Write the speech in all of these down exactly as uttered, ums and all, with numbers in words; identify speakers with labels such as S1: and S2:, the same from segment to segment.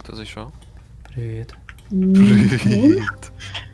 S1: Хто зайшов?
S2: Привіт.
S1: Привіт.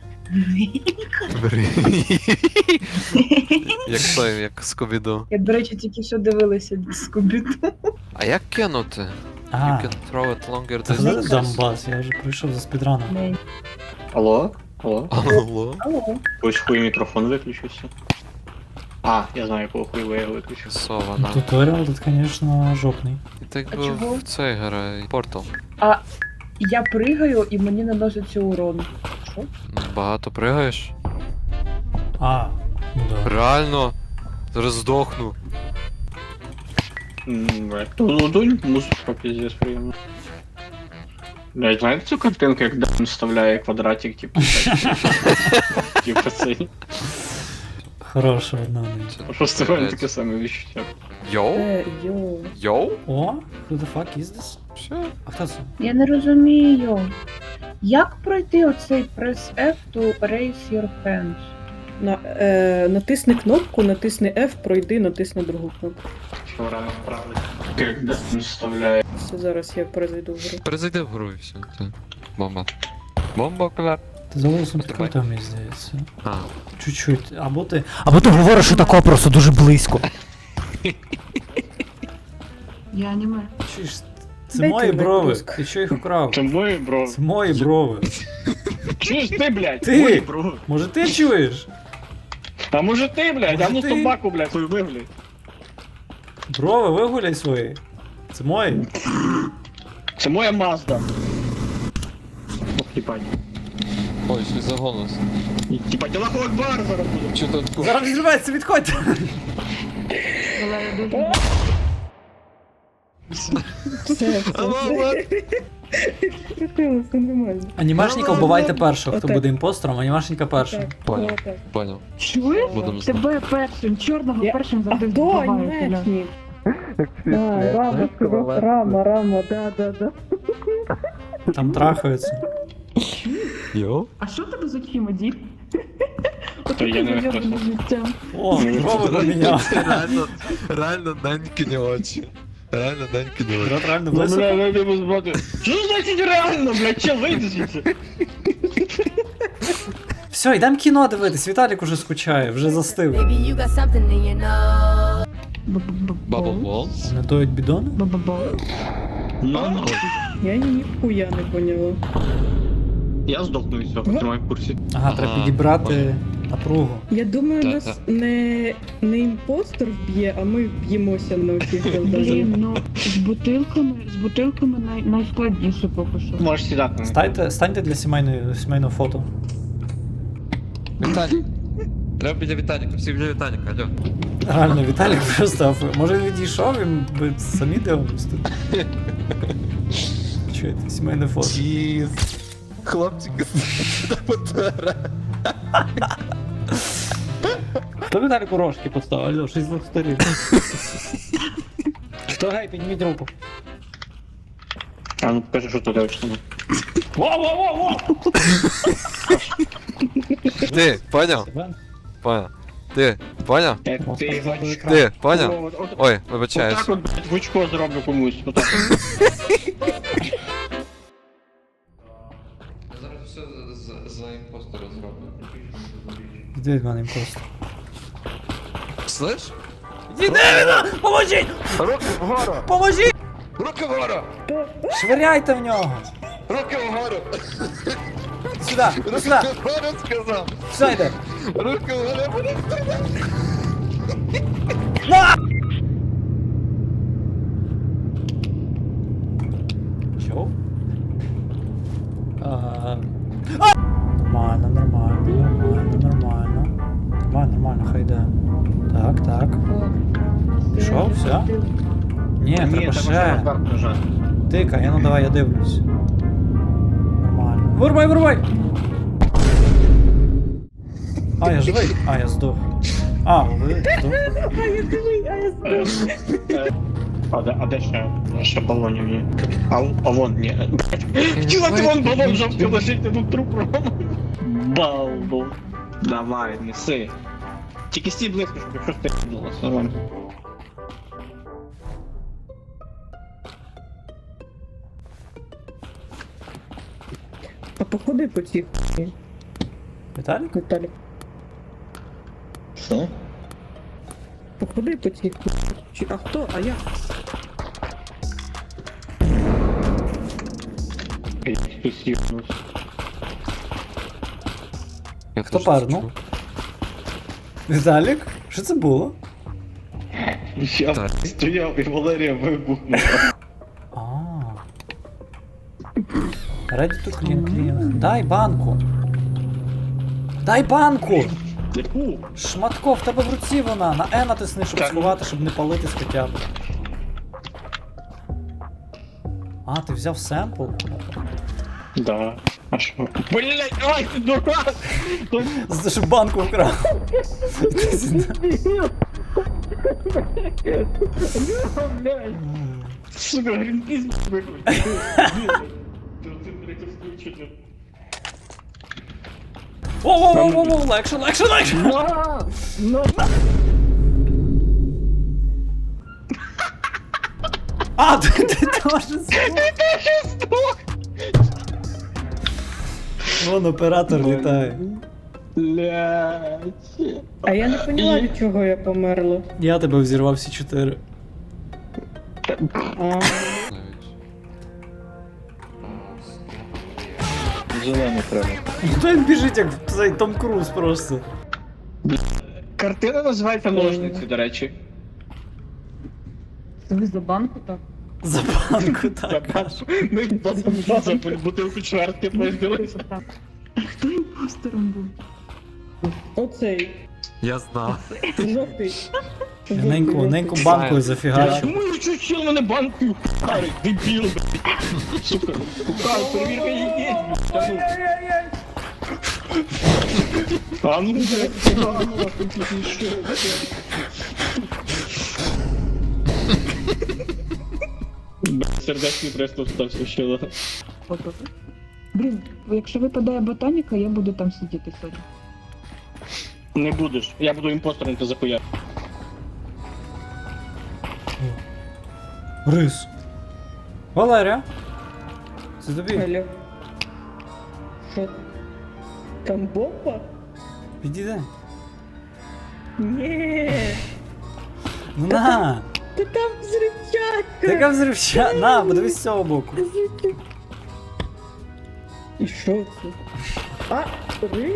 S1: Привіт. Як той, як Скубіду.
S3: Я, до речі, тільки що дивилася Скубіду.
S1: А як кинути?
S2: А,
S1: You can throw it longer
S2: це
S1: than...
S2: вже Донбас, я вже прийшов за спідраном.
S3: Не.
S4: Алло? Алло?
S1: Алло?
S3: Алло.
S4: Ось хуй мікрофон виключився. А, я знаю, якого хуйва я виключив.
S1: Сована.
S2: Туторіал тут, звісно, жопний.
S1: І так
S3: А
S1: би
S3: чого?
S1: в цей грає. Портал.
S3: А я пригаю і мені наноситься урон. Що?
S1: Багато пригаєш?
S2: А, ну да.
S1: Реально? Зараз здохну.
S4: Тудунь, музичка пиздец приємно. Блять, знаєте цю картинку, як Дан вставляє квадратик, типу, так? Типу цей.
S2: Хороша одна.
S1: Це
S4: Просто в мене
S1: капець.
S4: таке саме відчуття.
S1: Йоу?
S3: Е, йо.
S1: Йоу?
S2: О, who the fuck is this?
S1: Що?
S2: А хто це?
S3: Я не розумію. Як пройти оцей press F to raise your hands?
S5: На, е, натисни кнопку, натисни F, пройди, натисни другу кнопку.
S4: Що рано вправити. Як Дан вставляє.
S5: Все, зараз я перезайду в гру.
S1: Перезайди в гру і все. Це бомба. Бомба, окуляр.
S2: Ти за голосом
S1: Давай.
S2: підкрутив, мені здається.
S1: А.
S2: Чуть-чуть. Або ти. Або ти говориш, що тако просто дуже близько.
S3: Я аніме.
S2: Чуєш, це
S5: Дайте
S2: мої
S5: мені
S2: брови.
S5: близько.
S2: Ти чого їх украв?
S4: Це мої, бро.
S2: Це мої брови.
S4: Чуєш ти, блядь?
S2: Ти!
S4: Мої, бро.
S2: Може ти чуєш?
S4: А може ти, блядь?
S2: Може
S4: А ну
S2: ти?
S4: собаку, блядь, хуй виглядь.
S2: Брови вигуляй свої. Це мої.
S4: Це моя Мазда. Ох, їбать.
S1: Ой, щось за голос.
S4: Їбать, Аллаху Акбар зараз буде.
S1: Чи тут
S2: Зараз відривається, відходьте.
S3: Але я дуже...
S5: Все, все. Все, все нормально.
S2: Анімашника вбивайте першого, хто
S5: Отак.
S2: буде імпостером, анімашника першого.
S5: Так,
S1: Понял.
S5: отак.
S1: Понял.
S3: Чуєш?
S1: Будемо знати.
S3: Тебе першим, чорного
S5: Я-
S3: першим
S5: А
S3: завжди
S5: хто
S3: вбивають.
S5: анімешник? А, Рама, сказав, Рама, Рама, да, да, да.
S2: Там трахаються.
S1: Йоу?
S3: А що тебе з очима, дід?
S4: То я не
S3: Отаке
S4: виходжу.
S3: життя.
S2: О, брови поміняв.
S1: Реально, реально Данькіні очі. Реально Данькіні очі.
S2: Брат реально
S4: Ну,
S2: близько.
S4: бля, ну, типу, збати. Що значить реально, блядь, че вийди звідси?
S2: Все, йдемо кіно дивитись. Віталік уже скучає, вже застив.
S6: Maybe you got something in your nose.
S1: Bubble Walls?
S2: Не доють бідони?
S3: Ба-ба-ба.
S4: Ну, ну.
S5: Я ніхуя не поняла.
S4: Я здохну від цього, тримай в курсі.
S2: Ага, треба
S1: Ага,
S2: підібрати напругу.
S5: Я думаю,
S1: Так,
S5: нас
S1: так.
S5: не, не імпостер вб'є, а ми б'ємося на оцих
S3: Блін,
S5: голданах.
S3: ну з бутилками, з бутилками най, найскладніше поки що.
S4: Можеш сідати.
S2: Станьте, станьте для сімейної, сімейного фото.
S1: Віталік. Треба біля Віталіка, всі біля Віталіка, алло.
S2: Реально, Віталік просто. Може він відійшов, він би самі дивились тут. Чуєте, сімейне фото.
S1: Чіз. Хлопчик та потара.
S2: Хто Віталіку рожки поставив? Алло, щось з двох сторін. Хто гей, підніміть руку.
S4: А ну покажи, що тут точно.
S2: Во-во-во-во!
S1: Ти, поняв? Поняв. Ти, поняв?
S4: Як ти бачиш.
S1: Ти, поняв? Ой, вибачаюсь.
S4: Отак от, блядь, в очко зроблю комусь. Отак.
S1: Я зараз все за імпостера зроблю.
S2: Іди від мене імпостер.
S1: Слиш?
S2: Іди, поможіть!
S1: Руки вгору!
S2: Поможіть!
S1: Руки вгору!
S2: Швиряйте в нього!
S1: Руки вгору!
S2: Сюди,
S1: Руки
S2: сюди!
S1: вгору сказав!
S2: Сюди йде!
S1: Руки вгору! буде стріляти.
S2: Чо? А, Нормально, нормально, нормально, нормально. Нормально, нормально, хай йде. Так, так. Пішов, все? Ні, треба ще. Тикай, ну давай, я дивлюсь. Нормально. Вирубай, вирубай! А, я живий? А, я здох. А, ви здох.
S5: А я живий, а я здох.
S4: А де, а де ще? Ще балонів є. А, а вон, ні. Хотіла ти вон балон жовтий лежить, тут труп Рома. Балбо. Давай, неси. Тільки стій близько, щоб якщо ти було.
S5: походи по цій хуйні,
S2: Віталік?
S5: Віталік.
S4: Що?
S5: Походи по цій хуйні. Чи- А хто? А я?
S4: Хтось їбнувся.
S1: Я
S2: Хто
S1: теж
S2: парнув?
S1: чув.
S2: Віталік? Що це було?
S4: Я
S1: Так.
S4: стояв і Валерія вибухнула.
S2: А. Ready to clean, clean. Дай банку. Дай банку!
S4: Яку?
S2: Шматко, в тебе в руці вона. На Е натисни, щоб
S4: Так.
S2: сховати, щоб не палитись хоча б. А, ти взяв семпл?
S4: Да. А що? Блять, ай, ти дурак!
S2: За те, щоб банку вкрав. Іди сюди.
S4: Сука, грінпіс виключив. Ти третє включення.
S2: Воу-воу-воу-воу, легше, легше, легше!
S4: На! На!
S2: А, ти, ти теж здох. Вон оператор літає.
S4: Блять.
S5: А я не поняла, від чого я померла.
S2: Я тебе взірвав всі чотири.
S5: А,
S1: Навіть.
S4: Зелений треба.
S2: Хто він біжить, як цей Том Круз просто.
S4: Картина називається ножниці, до речі.
S5: ви за банку так?
S2: За банку, так.
S4: Ми за бутилку чвертки поїздилися.
S5: Хто імпостером був? Оцей.
S1: Я знав.
S5: Жовтий.
S2: Я неньку, неньку банкою зафігачив.
S4: Чому я чучил мене банкою харить, дебіл, блядь. Сука, кукав, перевірка є, блядь. А ну, блядь, а ну, а тут не що, блядь. Блядь, сердечний приступ стався ще, да.
S7: Блін, якщо випадає ботаніка, я буду там сидіти сьогодні.
S4: Не будеш, я буду імпостером, ти захуя.
S2: Рис. Валерія. Це тобі.
S5: Алло. Що? Там бомба?
S2: Підійди.
S5: Ні.
S2: Ну на!
S5: Та там взривчатка.
S2: Така взривча. На, подивись з цього боку.
S5: І що це? А, рис.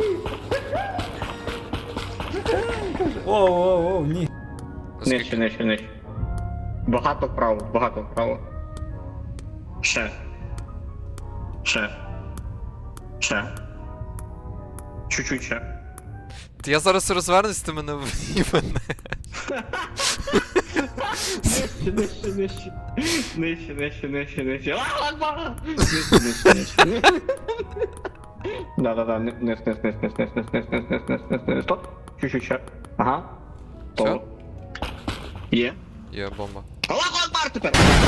S2: О, о, о, ні.
S4: Нижче, нижче, нижче. Багато вправо, багато вправо. Ще. Ще. Ще. Чуть-чуть ще.
S1: Я зараз розвернусь, ти мене в'їбане.
S4: Нижче, нижче, нижче. Нижче, нижче, нижче, нижче. Ла-ла-ла! Нижче, нижче, нижче. Да-да-да, низ, низ, низ, низ, низ, низ, низ, низ, низ, низ, низ, низ, низ. Стоп. Чуть-чуть ще. Ага.
S1: Всё?
S4: То. Є.
S1: Є бомба.
S4: Аллаху Акбар тепер!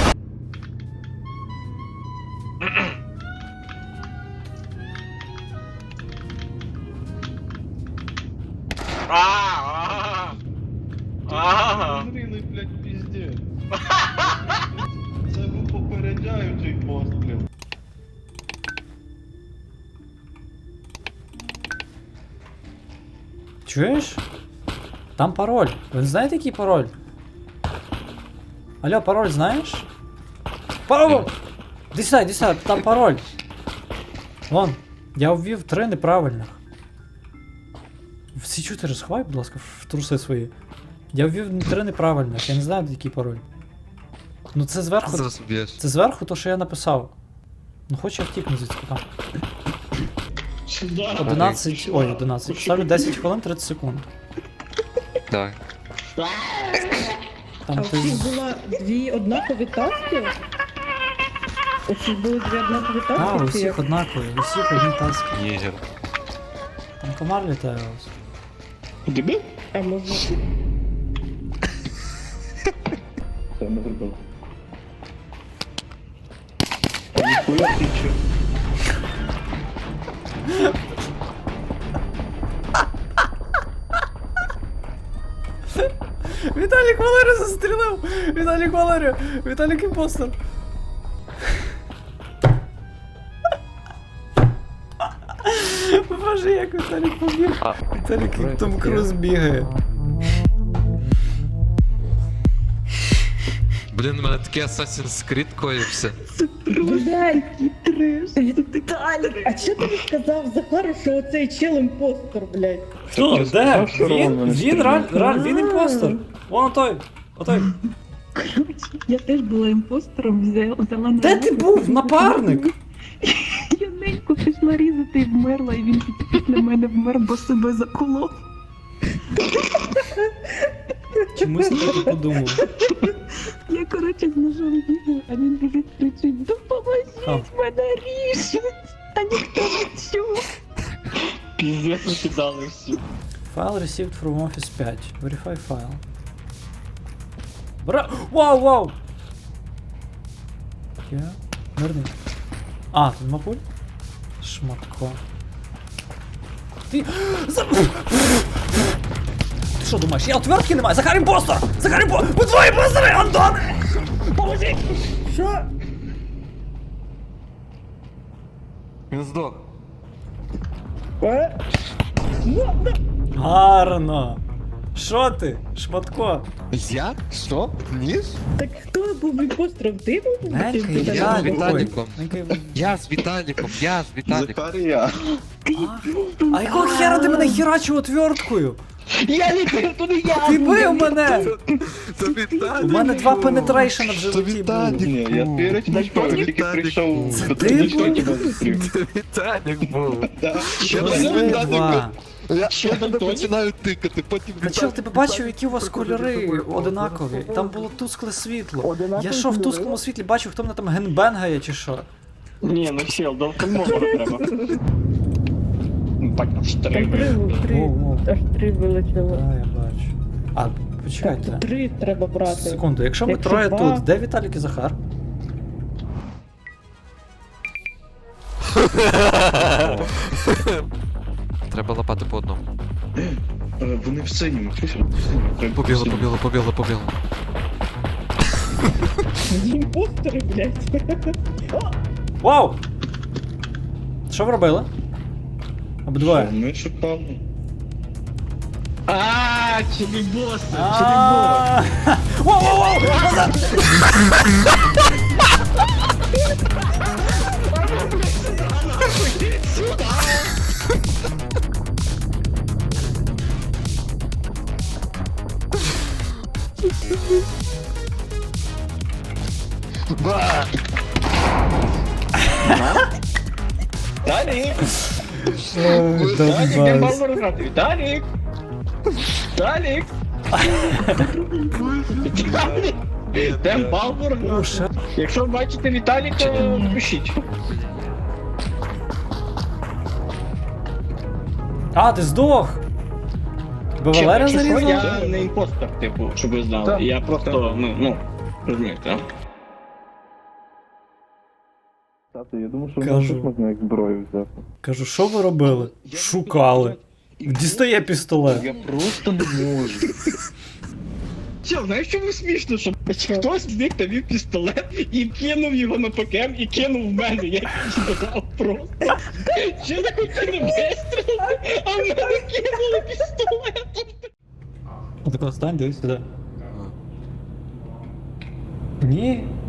S8: Зрілий, блядь, піздець. Це ви попереджаючий постріл.
S2: Чуєш? Там пароль. Ви знаєте, який пароль? Алло, пароль знаєш? Пароль! Іди сюди, іди сюди, там пароль. Вон, я ввів три неправильних. Всі чотири сховай, будь ласка, в труси свої. Я ввів три неправильних, я не знаю, який пароль. Ну це зверху.
S1: Зараз б'єш.
S2: Це зверху то, що я написав. Ну хоч я втікну звідси там. одинадцять. Ой, одинадцять. Ставлю десять хвилин тридцять секунд.
S1: Давай.
S2: Там
S5: А
S2: ти.
S5: у всіх була дві однакові таски? У всіх були дві однакові таски?
S2: А, у
S5: чи
S2: всіх
S5: як?
S2: однакові, у всіх одні таски.
S1: Єгер.
S2: Там комар літає у вас.
S4: Дебіл?
S5: А може...
S4: Це не зробив. Ніхуя ти чо?
S2: Віталік Валерію застрілив! Віталік Валерію! Віталік імпостер! Боже, як Віталік побіг. Віталік як Том Круз бігає.
S1: Блін, у мене такий Assassin's Creed коївся.
S5: Блядь, Віталік, а чого ти не сказав Захару, що оцей чел імпостер, блядь?
S2: Хто? Де?
S4: сказав, що
S2: Він?
S4: Роман
S2: Він реаль, реаль, він імпостер. Вон отой. Отой.
S7: Коротше, я теж була імпостером, взяла, взяла на
S2: Де ти був? Напарник?
S7: Я неньку пішла різати і вмерла, і він після мене вмер, бо себе заколов.
S2: Чомусь я так і подумав.
S7: Я, коротше, з ножом бігаю, а він біжить, кричить: допоможіть, мене ріжуть, а ніхто не чув.
S4: Піздець викидали всі.
S2: Файл received from Office п'ять. Verify файл. Бра... Вау, вау! Я... Верни. А, тут мапуль? Шматко. Ти... За... Ти що думаєш, я отвертки не маю? Захар імпостер! Захар імпостер! Ви двоє імпостери, Антоне! Поможіть! Що?
S1: Він здох.
S2: Гарно! Що ти, Шматко?
S1: Я? Що? Ніж?
S5: Так хто був імпостером? Ти був?
S2: Ненька і
S5: Ти-
S1: Я з
S2: Віталік.
S1: Віталіком.
S2: Ненька і-
S1: Я з Віталіком, я з Віталіком.
S8: Захарія.
S2: А якого хера ти мене херачив отверткою?
S4: Я не туди я!
S2: Ти бив мене!
S1: Це Віталік.
S2: У мене два пенетрейшена в
S1: Це
S2: животі було.
S1: Віталік.
S8: Ні, я вірить не впав, я тільки
S1: Віталік.
S8: прийшов
S2: Це
S8: до
S2: ти
S8: того,
S2: був?
S8: що тебе зустрів.
S1: Це Віталік був.
S8: Да.
S1: Я
S2: Ви
S1: тебе
S2: два.
S1: Я
S4: Що
S1: я тебе
S4: Антоні?
S1: починаю тикати, потім
S2: Та чел, ти побачив, які у вас кольори одинакові? Там було тускле світло. Я що в тусклому світлі бачив, хто мене там генбенгає чи що?
S4: Ні, ну чел, до фільмового треба. Бать, аж
S5: Там
S4: три.
S5: три, три,
S2: Воу, воу.
S5: аж три вилетіло.
S2: А, я бачу. А,
S5: Так,
S2: почекайте.
S5: три треба брати.
S2: Секунду, якщо ми
S5: Якщо
S2: троє
S5: два-
S2: тут, де Віталік і Захар?
S1: Треба лопати по одному.
S8: Е, Вони в синьому, чуєш? В синьому. Треба
S1: Побіло,
S8: в синьому.
S1: побіло, побіло, побіло.
S5: Імпостери, блядь.
S2: Вау! Що ви робили? Обидвоє.
S8: Ми шукали.
S4: Ааа, чилібос, чилібос.
S2: А. Вау, вау, вау! Назад!
S4: Віталік! Віталік, де Балбор грати? Віталік! Віталік! Віталік! Де Балбор
S2: О,
S4: грати?
S2: ще-
S4: Якщо бачите Віталіка, пишіть.
S2: А, ти здох! Тебе
S4: Чел,
S2: Валерія
S4: якщо що,
S2: зарізав?
S4: я не імпостер, типу, щоб ви знали.
S8: Так,
S4: Я просто, ну, ну, розумієте.
S8: Тато, я думав, що
S2: Кажу.
S8: тут можна як зброю взяти.
S2: Кажу, що ви робили? Шукали. Дістає пістолет.
S8: Я просто не можу.
S4: Чел, знаєш, чому смішно, що хтось з них тобі пістолет і кинув його на ПКМ і кинув в мене, я додав просто. Що за хотіли вистрілити, а в мене кинули пістолет.
S2: Отако стань, дивись сюди. Ні,